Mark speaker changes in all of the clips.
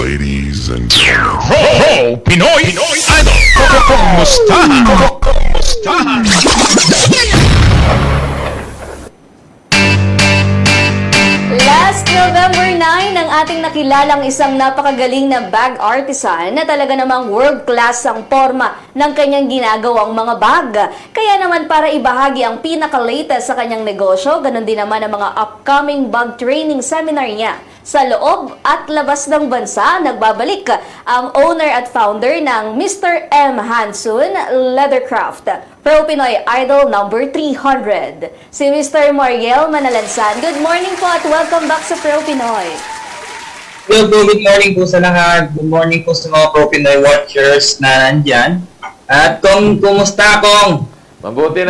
Speaker 1: Ladies and gentlemen.
Speaker 2: Ho! Pinoy Idol! Kumustahan? Kumustahan?
Speaker 3: Last November 9, ang ating nakilalang isang napakagaling na bag artisan na talaga namang world-class ang forma ng kanyang ginagawang mga bag. Kaya naman para ibahagi ang pinaka-latest sa kanyang negosyo, ganun din naman ang mga upcoming bag training seminar niya. Sa loob at labas ng bansa, nagbabalik ang owner at founder ng Mr. M. Hansun Leathercraft, Pro Pinoy Idol number 300. Si Mr. Mariel Manalansan. Good morning po at welcome back sa Pro Pinoy.
Speaker 4: Hello po, good morning po sa lahat. Good morning po sa mga Pro Pinoy watchers na nandyan. At kumusta kong?
Speaker 5: Mabuti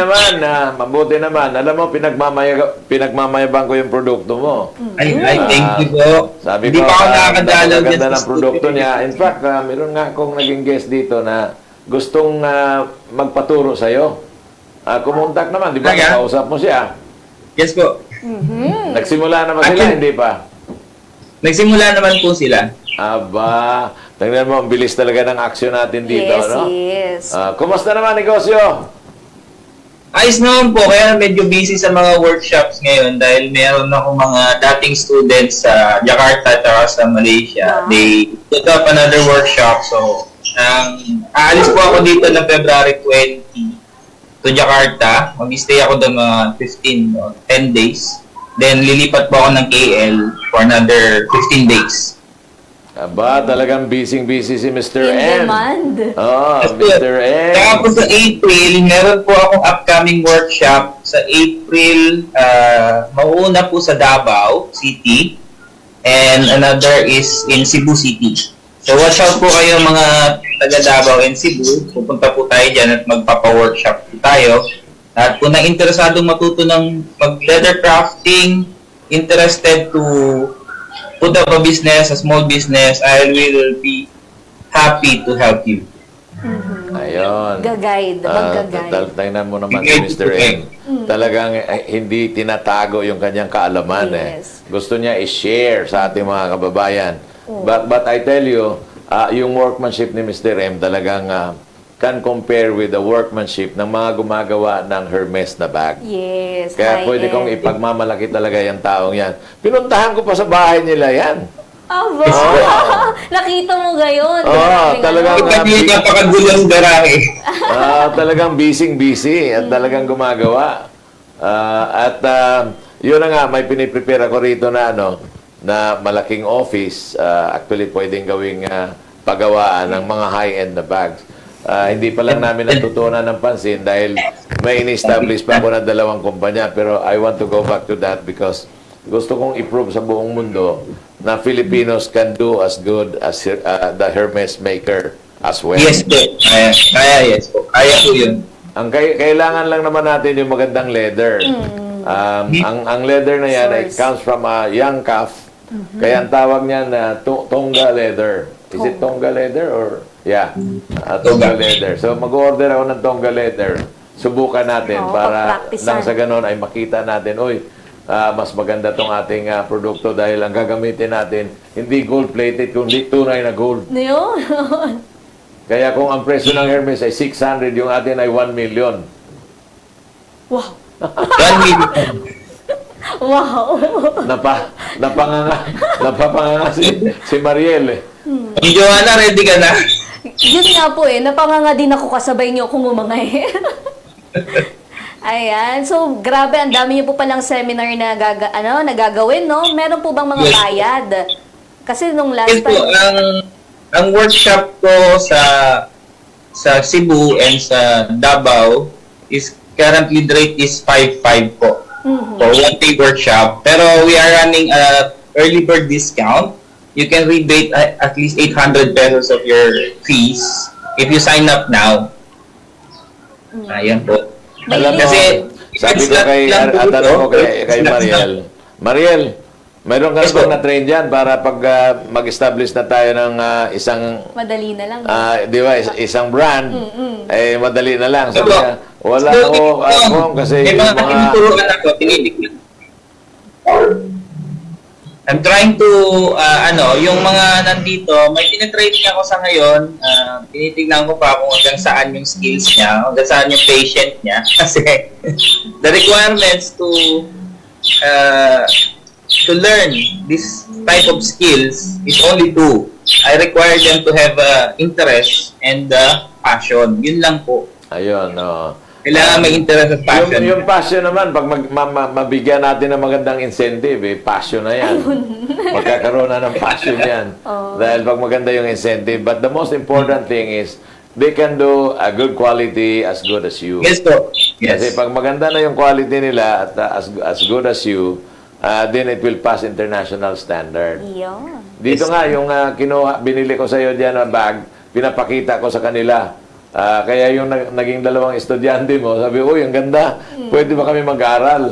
Speaker 5: naman. Alam mo, pinagmamayabang ko yung produkto mo.
Speaker 4: Ay, thank you po.
Speaker 5: Sabi
Speaker 4: Hindi
Speaker 5: ko,
Speaker 4: pa ako nakakadalaw dyan
Speaker 5: ganda
Speaker 4: sa
Speaker 5: ng produkto
Speaker 4: studio.
Speaker 5: niya. In fact, meron nga akong naging guest dito na gustong magpaturo sa'yo. Kumontak naman, di ba?
Speaker 4: Talaga?
Speaker 5: Nakausap mo siya.
Speaker 4: Yes po.
Speaker 5: Nagsimula na ba sila? Hindi pa?
Speaker 4: Nagsimula naman po sila.
Speaker 5: Aba, tingnan mo, ang bilis talaga ng action natin dito,
Speaker 3: Yes,
Speaker 5: no?
Speaker 3: yes.
Speaker 5: Kumusta naman negosyo?
Speaker 4: Ayos naman po, kaya medyo busy sa mga workshops ngayon dahil meron ako mga dating students sa Jakarta at sa Malaysia.
Speaker 3: Wow.
Speaker 4: They put up another workshop. So, aalis po ako dito ng February 20 to Jakarta. Mag-stay ako doon mga 15 or 10 days. Then, lilipat po ako ng KL for another 15 days.
Speaker 5: Aba, talagang busy-busy si Mr.
Speaker 3: In
Speaker 5: M.
Speaker 3: demand.
Speaker 5: Oh, Mr. M.
Speaker 4: Kaya po sa April, meron po akong upcoming workshop sa April, mauuna po sa Davao City and another is in Cebu City. So watch out po kayo mga taga Davao and Cebu. Pupunta po tayo dyan at magpapa-workshop po tayo. At kung na-interesadong matuto ng mag-leather crafting, interested to put up a business, a small business, I will be happy to help you.
Speaker 5: Ayun.
Speaker 3: Gagayad, mag-gagayad.
Speaker 5: Tingnan mo naman si Mr. M. Talagang hindi tinatago yung kanyang kaalaman.
Speaker 3: Yes.
Speaker 5: Gusto niya i-share sa ating mga kababayan. But I tell you, yung workmanship ni Mr. M talagang can compare with the workmanship ng mga gumagawa ng Hermes na bag.
Speaker 3: Yes,
Speaker 5: Kaya pwede kong
Speaker 3: high-end.
Speaker 5: ipagmamalaki talaga yung taong yan. Pinuntahan ko pa sa bahay nila yan.
Speaker 3: Aba! Nakita mo gayon.
Speaker 5: talagang
Speaker 4: Hindi napakagulong garahe.
Speaker 5: talagang busy at talagang gumagawa. Yun na nga, may piniprepare ako rito na na malaking office. Actually, pwedeng gawing pagawaan ng mga high-end na bags. Hindi pa lang namin natutunan ng pansin dahil may in-establish pa ako na 2 kumpanya. Pero I want to go back to that because gusto kong i-prove sa buong mundo na Filipinos can do as good as the Hermes maker as well.
Speaker 4: Yes po. Yes po. Kaya po yun.
Speaker 5: Ang kailangan lang naman natin yung magandang leather. Ang leather na yan, it comes from a young calf. Kaya ang tawag niyan na Tonga leather. Is it Tonga leather or... Yeah, Tonga leather. So mag-order ako ng Tonga leather. Subukan natin para
Speaker 3: pagpraktisan.
Speaker 5: nang sa ganun ay makita natin, mas maganda tong ating produkto dahil ang gagamitin natin hindi gold-plated kundi tunay na gold.
Speaker 3: Yun.
Speaker 5: Kaya kung ang presyo ng Hermes ay 600, yung atin ay 1 million.
Speaker 3: Wow.
Speaker 4: 1 million.
Speaker 3: Wow.
Speaker 5: Napapanganga si Mariel eh.
Speaker 4: Joanna, ready ka na?
Speaker 3: Yun nga po napanganga din ako kasabay niyo kung umangay. Ayan. So, grabe, ang dami niyo po palang seminar na nagagawin, no? Meron po bang mga
Speaker 4: Yes.
Speaker 3: bayad? Kasi nung last
Speaker 4: Yes po,
Speaker 3: time...
Speaker 4: ang workshop ko sa Cebu and sa Davao is currently the rate is 5.5 po. For 1 day workshop. Pero we are running a early bird discount. You can rebate at least 800 pesos of your fees if you sign up now. Ayan po.
Speaker 5: Alam mo,
Speaker 4: Kasi,
Speaker 5: sabi ko kay Mariel, Mariel, mayroon ka
Speaker 4: Yes,
Speaker 5: bang
Speaker 4: po.
Speaker 5: na-train dyan para pag mag-establish na tayo ng isang,
Speaker 3: Madali na lang.
Speaker 5: di ba, isang brand, madali na lang. Sabi
Speaker 4: Opo.
Speaker 5: niya, wala
Speaker 4: So,
Speaker 5: ako, kasi
Speaker 4: may
Speaker 5: yung
Speaker 4: mga
Speaker 5: mga,
Speaker 4: tinuturuan ako, tinitig na. I'm trying to, yung mga nandito, may tinitraining ako sa ngayon. Tinitignan ko pa kung hanggang saan yung skills niya, hanggang saan yung patient niya. Kasi the requirements to learn this type of skills is only two. I require them to have interest and passion. Yun lang po.
Speaker 5: Ayun, no.
Speaker 4: Kailangan may interest at passion.
Speaker 5: Yung passion naman, pag mabigyan natin ng magandang incentive, passion na yan. Magkakaroon na ng passion yan. Dahil pag maganda yung incentive. But the most important thing is, they can do a good quality as good as you.
Speaker 4: Yes, po. Yes.
Speaker 5: Kasi pag maganda na yung quality nila at as good as you, then it will pass international standard.
Speaker 3: Yun.
Speaker 5: Dito nga, yung binili ko sa iyo dyan na bag, pinapakita ko sa kanila. Kaya yung naging dalawang estudyante mo, sabi, uy, ang ganda, pwede ba kami mag-aral?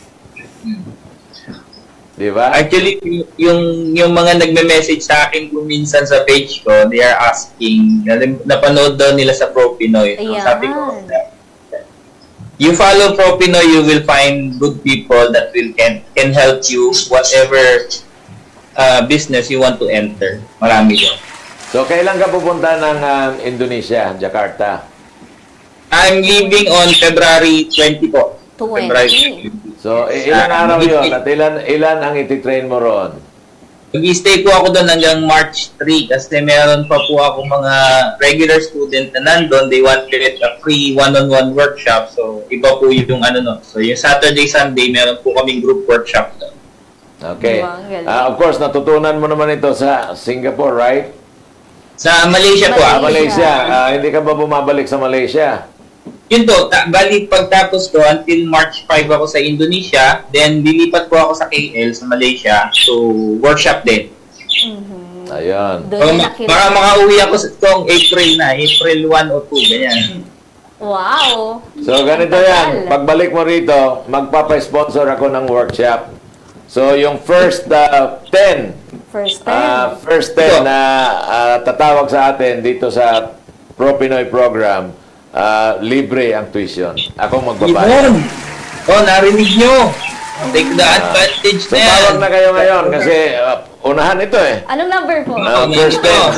Speaker 5: Di ba?
Speaker 4: Actually, yung mga nagme-message sa akin kung minsan sa page ko, they are asking, napanood daw nila sa Pro Pinoy. So,
Speaker 3: Ayan.
Speaker 4: sabi ko, you follow Pro Pinoy, you will find good people that can help you whatever business you want to enter. Marami daw.
Speaker 5: So, kailan ka pupunta ng Indonesia, Jakarta?
Speaker 4: I'm leaving on February 20 po.
Speaker 3: 20.
Speaker 4: February 20.
Speaker 5: So, ilang araw yon at ilan ang ititrain mo ron?
Speaker 4: Mag-stay po ako doon hanggang March 3 kasi meron pa po ako mga regular student na nandun. They wanted a free one-on-one workshop. So, iba po yung So, yung Saturday, Sunday, meron po kaming group workshop doon.
Speaker 5: Okay.
Speaker 3: Wow, galing.
Speaker 5: Of course, natutunan mo naman ito sa Singapore, right?
Speaker 4: Sa Malaysia po.
Speaker 5: Malaysia. Hindi ka ba bumabalik sa Malaysia?
Speaker 4: Yun po, bali pagtapos ko until March 5 ako sa Indonesia, then lilipat po ako sa KL sa Malaysia, so workshop din.
Speaker 5: Ayun.
Speaker 3: Doon
Speaker 4: So,
Speaker 3: na nakilala.
Speaker 4: para makauwi ako sa itong April 1 o 2, ganyan.
Speaker 3: Wow.
Speaker 5: So, ganito
Speaker 3: Ang
Speaker 5: yan.
Speaker 3: tagal.
Speaker 5: Pagbalik mo rito, magpapa-sponsor ako ng workshop. So, yung first 10
Speaker 3: First time.
Speaker 5: first 10 na tatawag sa atin dito sa Pro Pinoy program, libre ang tuition. Ako magbabayad.
Speaker 4: Yun! Oh, narinig nyo! Take the advantage
Speaker 5: So,
Speaker 4: na yan.
Speaker 5: tawag na kayo ngayon kasi unahan ito eh.
Speaker 3: Anong number po?
Speaker 5: First 10.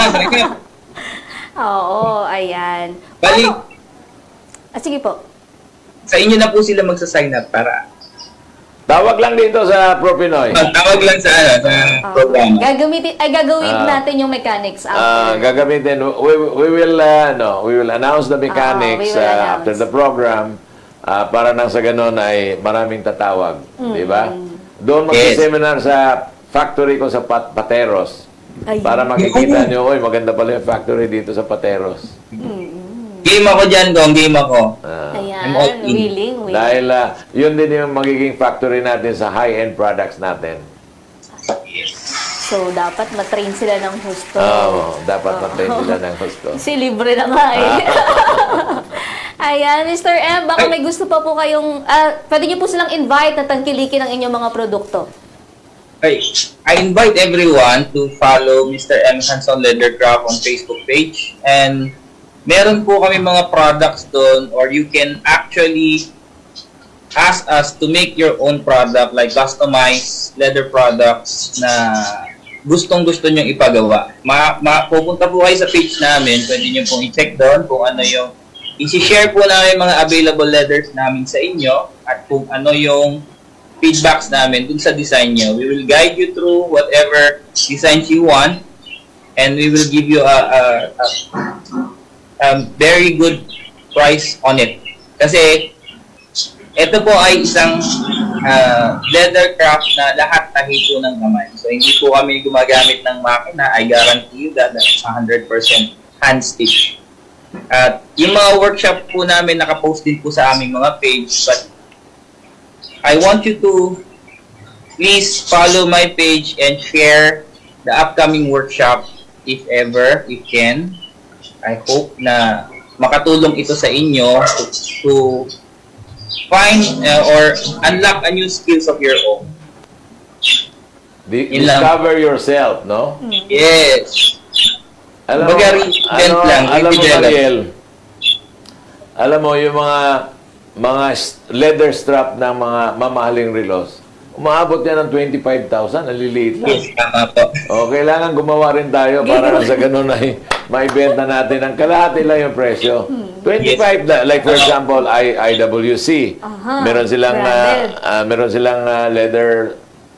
Speaker 3: Oo, ayan.
Speaker 4: Bali,
Speaker 3: Sige po.
Speaker 4: sa inyo na po sila magsa-sign up para
Speaker 5: Tawag lang dito sa Pro Pinoy.
Speaker 4: tawag lang sa program.
Speaker 3: Gagawin natin yung mechanics after.
Speaker 5: Gagamitin. We will announce the mechanics
Speaker 3: we will announce.
Speaker 5: after the program para nang sa ganun ay maraming tatawag. Di ba? Doon mag-seminar sa factory ko sa Pateros.
Speaker 3: Ayun.
Speaker 5: Para makikita nyo, oy, maganda pala yung factory dito sa Pateros.
Speaker 4: Game ako dyan, Gong. Game ako.
Speaker 3: Ayan,
Speaker 4: I'm all in.
Speaker 3: willing.
Speaker 5: Dahil yun din yung magiging factory natin sa high-end products natin.
Speaker 3: So, dapat matrain sila ng husto.
Speaker 5: Dapat matrain sila ng gusto.
Speaker 3: Kasi libre na nga eh. Ayan, Mr. M, baka may gusto pa po kayong, pwede niyo po silang invite na tangkilikin ang inyong mga produkto.
Speaker 4: Okay. I invite everyone to follow Mr. M. Hanson Leathercraft on Facebook page. And meron po kami mga products doon, or you can actually ask us to make your own product, like customized leather products na gustong-gusto nyong ipagawa. Pupunta po kayo sa page namin, pwede nyo pong i-check doon kung ano yung isi-share po namin mga available leathers namin sa inyo at kung ano yung feedbacks namin dun sa design nyo. We will guide you through whatever designs you want and we will give you a very good price on it. Kasi ito po ay isang leather craft na lahat tahito ng kamay. So hindi po kami gumagamit ng makina. I guarantee you that that's 100% hand stitch. At yung mga workshop po namin nakapost din po sa aming mga page, but I want you to please follow my page and share the upcoming workshop if ever you can. I hope na makatulong ito sa inyo to find or unlock a new skills of your own.
Speaker 5: Discover yourself, no?
Speaker 4: Yes.
Speaker 5: Alam mo, Mariel, alam mo, yung mga leather strap ng mga mamahaling relos, Umaabot yan ng 25,000. Naliliit lang.
Speaker 4: Yes, tama po.
Speaker 5: O, kailangan gumawa rin tayo para sa ganun ay maibenta natin ang kalahati lang yung presyo. 25, like for example, IWC.
Speaker 3: Aha,
Speaker 5: Meron silang leather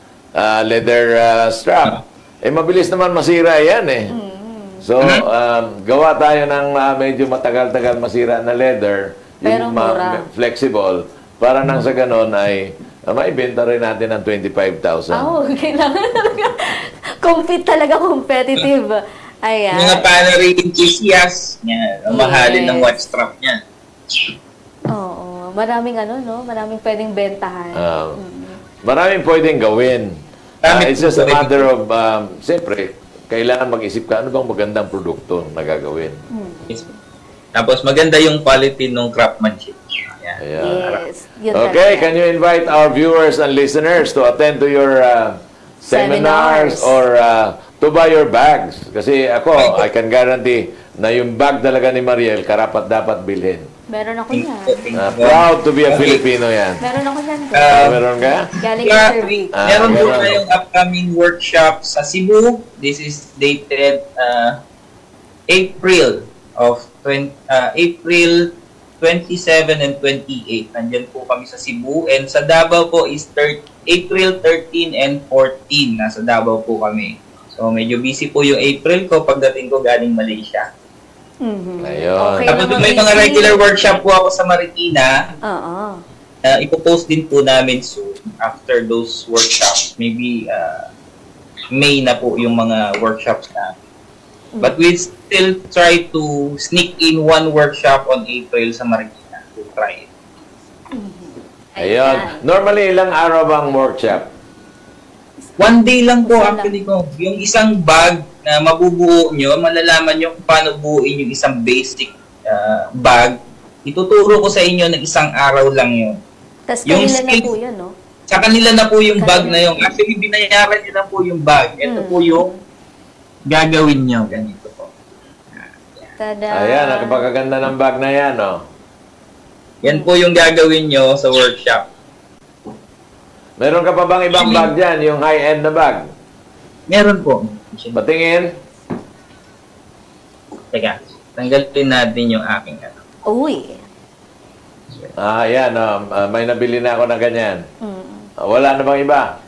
Speaker 5: strap. Mabilis naman masira yan eh. So, gawa tayo ng medyo matagal-tagal masira na leather,
Speaker 3: Pero
Speaker 5: yung
Speaker 3: mura.
Speaker 5: flexible, para nang sa ganun ay maibenta rin natin ng 25,000.
Speaker 3: Kailangan talaga. Compete talaga, competitive. Ayan.
Speaker 4: Mga Panerai enthusiasts, yan, ang mahalin ng watch strap niya.
Speaker 3: Oo. Maraming maraming pwedeng bentahan.
Speaker 5: Maraming pwedeng gawin. It's just a matter of, siyempre, kailangan mag-isip ka, ano bang magandang produkto na gagawin?
Speaker 4: Yes. Tapos maganda yung quality ng craftsmanship. Yan.
Speaker 5: Ayan.
Speaker 3: Yes. Yun
Speaker 5: Okay,
Speaker 3: talaga.
Speaker 5: can you invite our viewers and listeners to attend to your seminars or to buy your bags? Kasi ako, I can guarantee na yung bag talaga ni Mariel, karapat dapat bilhin.
Speaker 3: Meron ako yan.
Speaker 5: Proud to be a Filipino yan.
Speaker 3: Meron ako yan.
Speaker 5: Meron ka?
Speaker 3: Galing kay Sir Vic.
Speaker 4: Meron po
Speaker 5: meron.
Speaker 4: tayong upcoming workshop sa Cebu. This is dated April 27 and 28. Nandyan po kami sa Cebu. And sa Davao po is April 13 and 14. Nasa Davao po kami. So medyo busy po yung April ko pagdating ko galing Malaysia.
Speaker 5: Ayun.
Speaker 3: Okay
Speaker 4: Tapos
Speaker 3: naman,
Speaker 4: may mga
Speaker 3: busy.
Speaker 4: regular workshop po ako sa Marikina.
Speaker 3: Oo.
Speaker 4: Ipopost din po namin soon after those workshops. Maybe May na po yung mga workshops namin. But we still try to sneak in one workshop on April sa Marikina. We'll try it.
Speaker 5: Ayun. Normally, ilang araw bang workshop?
Speaker 4: One day lang po
Speaker 3: Isa lang.
Speaker 4: actually ko. Yung isang bag na mabubuo nyo, malalaman nyo kung paano buuin yung isang basic bag. Ituturo ko sa inyo ng isang araw lang yun.
Speaker 3: Tapos
Speaker 4: Yung
Speaker 3: kanila na
Speaker 4: skills-
Speaker 3: po yun, no?
Speaker 4: Sa kanila na po yung bag na yun. Actually, binayaran nyo na po yung bag. Ito po yung gagawin nyo. Ganito po.
Speaker 3: Tada.
Speaker 5: Ayan, napakaganda ng bag na yan, oh.
Speaker 4: Yan po yung gagawin nyo sa workshop.
Speaker 5: Meron ka pa bang ibang bag dyan? Yung high-end na bag?
Speaker 4: Meron po.
Speaker 5: Patingin.
Speaker 4: Teka, tanggalin natin yung aking ano.
Speaker 3: Uy.
Speaker 5: Ayan, may nabili na ako ng ganyan. Wala na bang iba?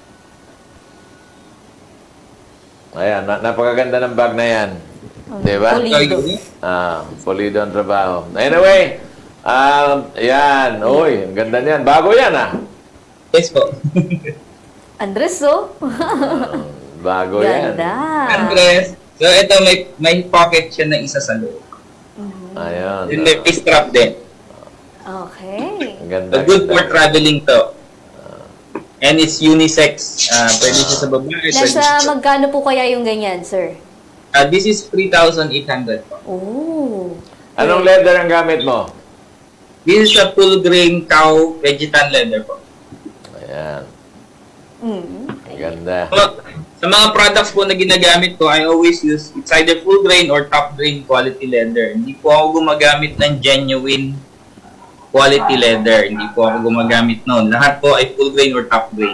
Speaker 5: Ayan, napakaganda ng bag na yan. Di ba?
Speaker 3: Pulido.
Speaker 5: Pulido ang trabaho. Anyway, yan. Uy, ang ganda niyan. Bago yan,
Speaker 4: Yes po.
Speaker 3: Andres, oh.
Speaker 5: Bago yan.
Speaker 3: Ganda.
Speaker 4: Andres. So ito may pocket siya na isa sa loob.
Speaker 5: Ayun.
Speaker 4: Then may strap din.
Speaker 3: Okay.
Speaker 5: Ang ganda.
Speaker 4: So good for
Speaker 5: ganda.
Speaker 4: traveling to. And it's unisex. Pwede siya sa babae. pwede siya
Speaker 3: Nasa
Speaker 4: sa-
Speaker 3: magkano po kaya yung ganyan, sir?
Speaker 4: This is 3,800 po.
Speaker 3: Oh.
Speaker 5: Anong leather ang gamit mo?
Speaker 4: This is a full grain cow vegetan leather po.
Speaker 5: Ayan.
Speaker 3: Mm.
Speaker 5: Ang ganda.
Speaker 4: So, sa mga products po na ginagamit ko, I always use, it's either full grain or top grain quality leather. Hindi po ako gumagamit ng genuine quality leather. Hindi po ako gumagamit noon. Lahat po ay full grain or top grain.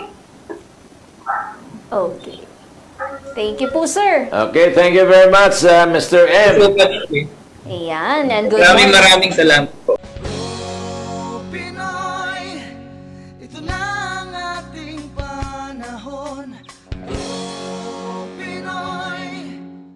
Speaker 3: Okay. Thank you po, sir.
Speaker 5: Okay, thank you very much, Mr. M.
Speaker 4: So,
Speaker 3: Ayan. And good
Speaker 4: maraming
Speaker 3: morning.
Speaker 4: maraming salamat po.